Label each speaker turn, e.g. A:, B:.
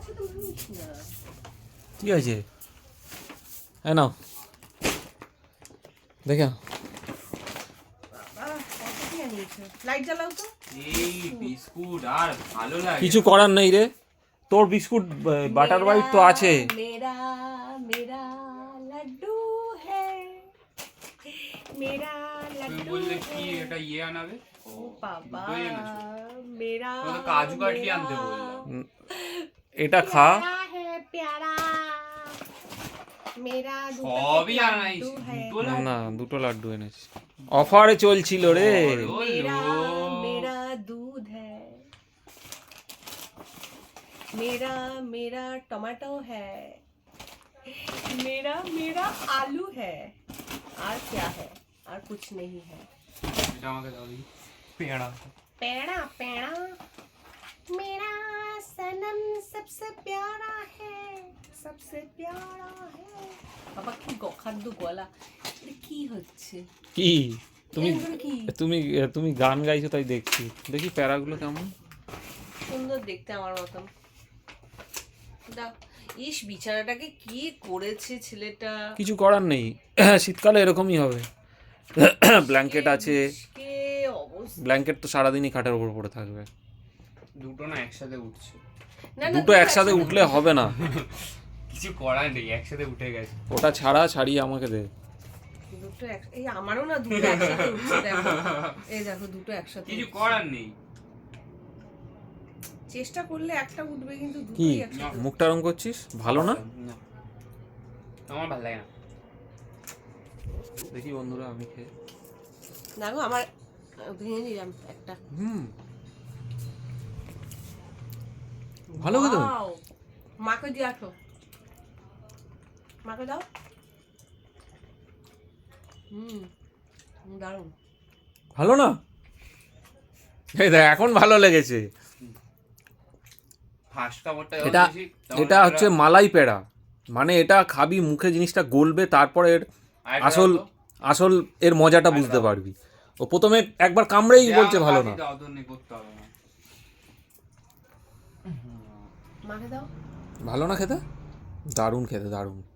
A: কি আছে? হ্যাঁ নাও দেখো।
B: লাইট জ্বালাও তো।
C: এই বিস্কুট আর ভালো লাগে।
A: কিছু করার নেই রে, তোর বিস্কুট বাটার হোয়াইট তো আছে।
B: মেরা মেরা লাড্ডু হ্যায়, মেরা
C: তুমি
B: লাড্ডু
C: বললে কি এটা আনাবে?
B: ও বাবা
C: দুটোই এনেছো?
B: মেরা
C: তো কাজু কাটলি আনতে বললাম।
A: এটা খা।
B: প্যারা মেরা
C: সবই আনাইছি, দুটো
A: না
C: লাড্ডু।
A: না, দুটো লাড্ডু এনেছি, অফারে চলছিল রে।
B: मेरा मेरा दूध है, मेरा मेरा टमाटो है, मेरा मेरा आलू है, और क्या है? और कुछ नहीं है।
C: এটা আমাকে দাও দেখি। পেড়া।
B: पेड़ा पेड़ा मेरा सनम सबसे प्यारा है, सबसे प्यारा है। বাবা কি খাদ্য গলা, এটা কি হচ্ছে?
A: কি তুমি
B: এগুলো কি?
A: তুমি তুমি গান গাইছো তাই দেখছি। দেখি প্যারাগুলো কেমন।
B: সুন্দর দেখতে আমার মতন। দাও। ইস বিছানাটাকে কি করেছে ছেলেটা।
A: কিছু করার নেই, শীতকালে এরকমই হবে। ব্ল্যাঙ্কেট আছে,
B: কে অবস্থা।
A: ব্ল্যাঙ্কেট তো সারাদিনই খাটের উপর পড়ে থাকবে।
C: দুটো না একসাথে উঠছে।
B: না, না,
A: দুটো একসাথে উঠলে হবে না,
C: কিছু করার নেই, একসাথে উঠে গেছে।
A: ওটা ছাড়িয়ে আমাকে দে।
B: দুটো এই আমারও না দুটো একসাথে উঠছে দেখো। এই দেখো দুটো একসাথে
C: কিছু
B: উঠছে।
C: করার নেই।
B: চেষ্টা করলে একটা উঠবে কিন্তু
A: কি
B: দুটোই একসাথে।
A: মুখটা রং করছিস? ভালো না?
C: না, আমার ভালো লাগে না।
A: দেখি বন্ধুরা আমি খেয়ে।
B: না গো আমার ভেঙে নিলাম একটা।
A: ভালো খেতে।
B: Wow! মাকে দিয়ে আসো, মাকে দাও। দারুণ।
A: ভালো না? এই দেখ এখন ভালো লেগেছে।
C: ফার্স্ট কাপড়টা
A: এটা এটা হচ্ছে মালাই পেড়া, মানে এটা খাবি মুখে জিনিসটা গলবে, তারপরে এর আসল আসল এর মজাটা বুঝতে পারবি। ও প্রথমে একবার কামড়েই বলছে ভালো না।
B: মাকে দাও।
A: ভালো না খেতে? দারুণ খেতে, দারুণ।